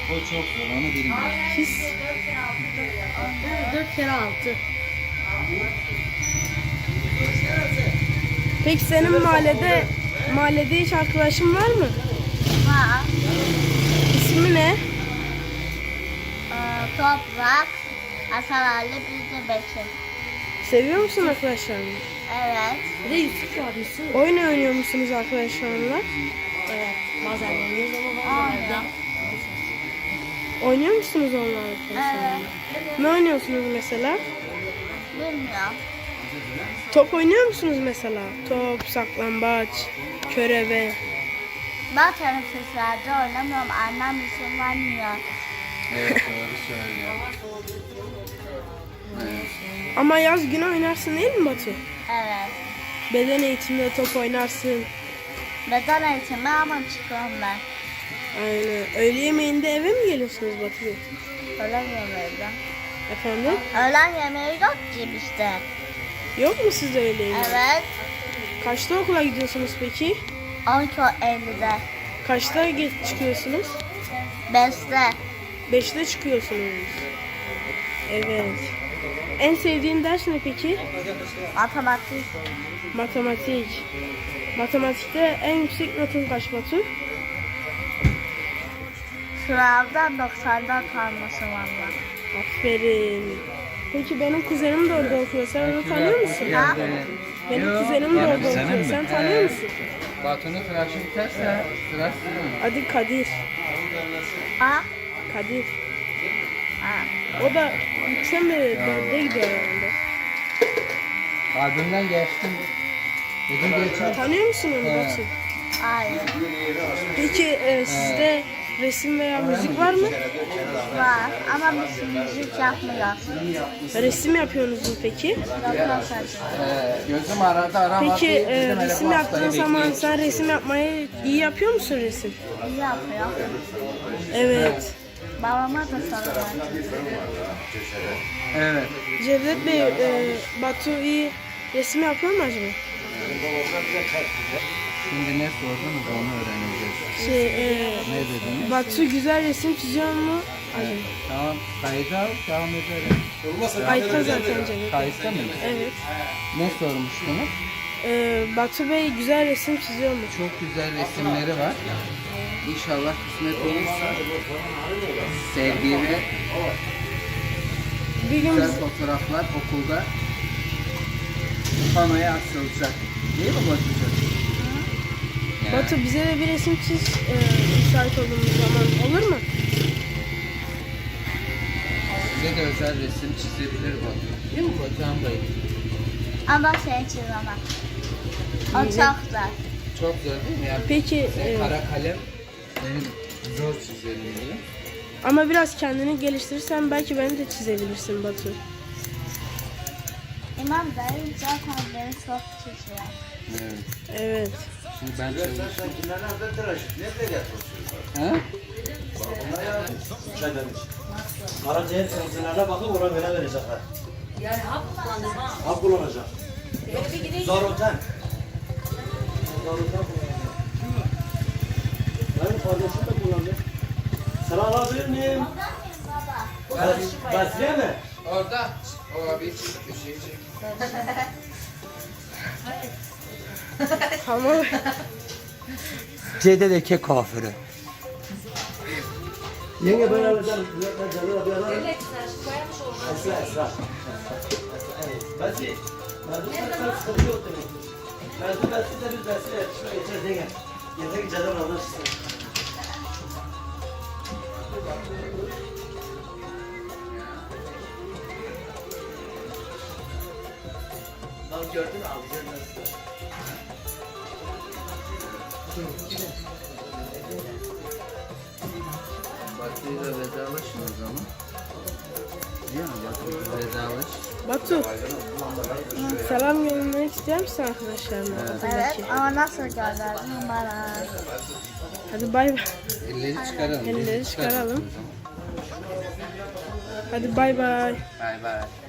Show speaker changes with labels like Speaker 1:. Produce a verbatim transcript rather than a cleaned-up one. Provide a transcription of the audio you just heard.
Speaker 1: O çok zor, onu bilmiyorum.
Speaker 2: His. Dört kere altı. Peki senin mahallede mahallede hiç arkadaşın var mı?
Speaker 3: Var.
Speaker 2: İsmi ne?
Speaker 3: Ee, Toprak. Hasan Ali bir de Bekir.
Speaker 2: Seviyor musun arkadaşlarını?
Speaker 3: Evet.
Speaker 4: Bir de Yusuf var Yusuf.
Speaker 2: Oyun oynuyor musunuz arkadaşlarla?
Speaker 4: Evet. Bazen oynuyoruz ama bazen
Speaker 3: Aynen.
Speaker 2: Oynuyor musunuz onlarla arkadaşlarla? Ne oynuyorsunuz mesela?
Speaker 3: Bilmiyorum.
Speaker 2: Top oynuyor musunuz mesela? Top, saklambaç, körebe.
Speaker 3: Ben teneffüslerde oynamıyorum. Annem izin vermiyor.
Speaker 1: Evet, doğru söylüyor. Evet.
Speaker 2: Ama yaz günü oynarsın değil mi Batu?
Speaker 3: Evet.
Speaker 2: Beden eğitiminde top oynarsın.
Speaker 3: Beden eğitimi ama çıkıyorum ben.
Speaker 2: Aynen. Öğle yemeğinde eve mi geliyorsunuz Batu Bey?
Speaker 3: Öğlen yemeği de.
Speaker 2: Efendim?
Speaker 3: Öğlen yemeği yok ki işte.
Speaker 2: Yok mu sizde öğle yemeği?
Speaker 3: Evet.
Speaker 2: Kaçta okula gidiyorsunuz peki?
Speaker 3: on iki ellide.
Speaker 2: Kaçta geç çıkıyorsunuz?
Speaker 3: beşte.
Speaker 2: Beşte çıkıyorsunuz. Evet. En sevdiğin ders ne peki?
Speaker 3: Matematik.
Speaker 2: Matematik. Matematikte en yüksek notun kaç Batu?
Speaker 3: Sınavdan doksandan kalması valla.
Speaker 2: Aferin. Peki benim kuzenim de orada okuyor. Sen onu tanıyor musun?
Speaker 3: Ha?
Speaker 2: Benim
Speaker 1: Yok,
Speaker 2: kuzenim de
Speaker 1: yani
Speaker 2: orada
Speaker 1: senin
Speaker 2: okuyor.
Speaker 1: mi?
Speaker 2: Sen tanıyor
Speaker 1: He.
Speaker 2: musun?
Speaker 1: Batu'nun tıraşı biterse tıraş değil mi?
Speaker 2: Adı Kadir.
Speaker 3: Ha?
Speaker 2: Kadir.
Speaker 3: Ha.
Speaker 2: O da üçe mi dörde gidiyor herhalde.
Speaker 1: Kalbimden geçtim. Dedim geçer.
Speaker 2: Tanıyor musun onu
Speaker 1: He.
Speaker 2: Batu?
Speaker 3: Hayır.
Speaker 2: Peki e, sizde resim veya müzik var mı?
Speaker 3: Var ama biz müzik yapmıyoruz.
Speaker 2: Resim yapıyorsunuz mu peki?
Speaker 3: Yapıyoruz.
Speaker 1: Ee, gözüm aradı aramadı.
Speaker 2: Peki e,
Speaker 1: Dedim, hele
Speaker 2: resim
Speaker 1: bu
Speaker 2: yaptığın
Speaker 1: hastayı
Speaker 2: zaman
Speaker 1: bekleyeyim.
Speaker 2: sen resim yapmayı iyi yapıyor musun resim?
Speaker 3: İyi yapıyor.
Speaker 2: Evet.
Speaker 3: Babama da soruyor.
Speaker 1: Evet.
Speaker 2: Cevdet Bey, e, Batu iyi resim yapıyor mu acaba?
Speaker 1: Şimdi ne sordunuz onu öğreneceğiz.
Speaker 2: Şey, e,
Speaker 1: Ne dediniz?
Speaker 2: Batu güzel resim çiziyor mu acaba?
Speaker 1: Tamam, kayıt al, devam edelim.
Speaker 2: Kayıtta zaten Cevdet.
Speaker 1: Kayıtta mı?
Speaker 2: Evet.
Speaker 1: Ne sormuştunuz?
Speaker 2: E, Batu Bey güzel resim çiziyor mu?
Speaker 1: Çok güzel resimleri var. İnşallah kısmet olursa sevdiğine
Speaker 2: Bir gün
Speaker 1: güzel
Speaker 2: biz-
Speaker 1: fotoğraflar okulda panoya asılacak. Değil mi Batucuğum? Ya,
Speaker 2: Batu bize de bir resim çiz e, müsait olduğumuz zaman olur mu?
Speaker 1: size de özel resim çizebilir Batu. Değil mi Batuhan Bey?
Speaker 3: Ama şey çizemem. O çok zor.
Speaker 1: Çok zor değil mi? Yani
Speaker 2: Peki e,
Speaker 1: kara kalem benim zor çizerim diye.
Speaker 2: ama biraz kendini geliştirirsen belki beni de çizebilirsin Batu.
Speaker 3: İmam dayı zaten beni çok çiziyor.
Speaker 1: Evet.
Speaker 2: Evet.
Speaker 1: Şimdi ben çalışıyorum. Ha?
Speaker 5: Karaciğer kanserlerine bakıp ona göre verecekler.
Speaker 4: Yani hap kullandım ha.
Speaker 5: Hap kullanacak.
Speaker 4: Böyle bir gideyim.
Speaker 5: Zaroten. Zaroten kullanacak. Benim kardeşim de kullandı. Sana alabilir miyim? Bas- Basriye mi?
Speaker 1: Orada. O abi bir şey çek.
Speaker 2: Tamam.
Speaker 5: Cededeki kafiri. Yenge ben alacağım. Ben canına bir alayım.
Speaker 4: Evet, sen şu koyarmış olsun.
Speaker 5: Esra Esra. Evet. Basri. Mevzu sen sıkıntı yok demek. Mevzu Basri de biz Basri'yle yetişme geçeceğiz yenge. Yeter ki canım anlaşsın. Bak gördün mü alacağım nasıl?
Speaker 1: Batu'yla vedalaşın o zaman. Değil mi? Batu'yla vedalaş.
Speaker 2: Batu. Selam göndermek ister misin arkadaşlarına?
Speaker 3: Evet
Speaker 2: Okuldaki?
Speaker 3: ama nasıl gönderdin bana?
Speaker 2: Hadi bay bay.
Speaker 1: Elleri çıkaralım.
Speaker 2: Elleri
Speaker 1: Elleri
Speaker 2: çıkaralım.
Speaker 1: o zaman.
Speaker 2: Hadi bay bay.
Speaker 1: Bay bay.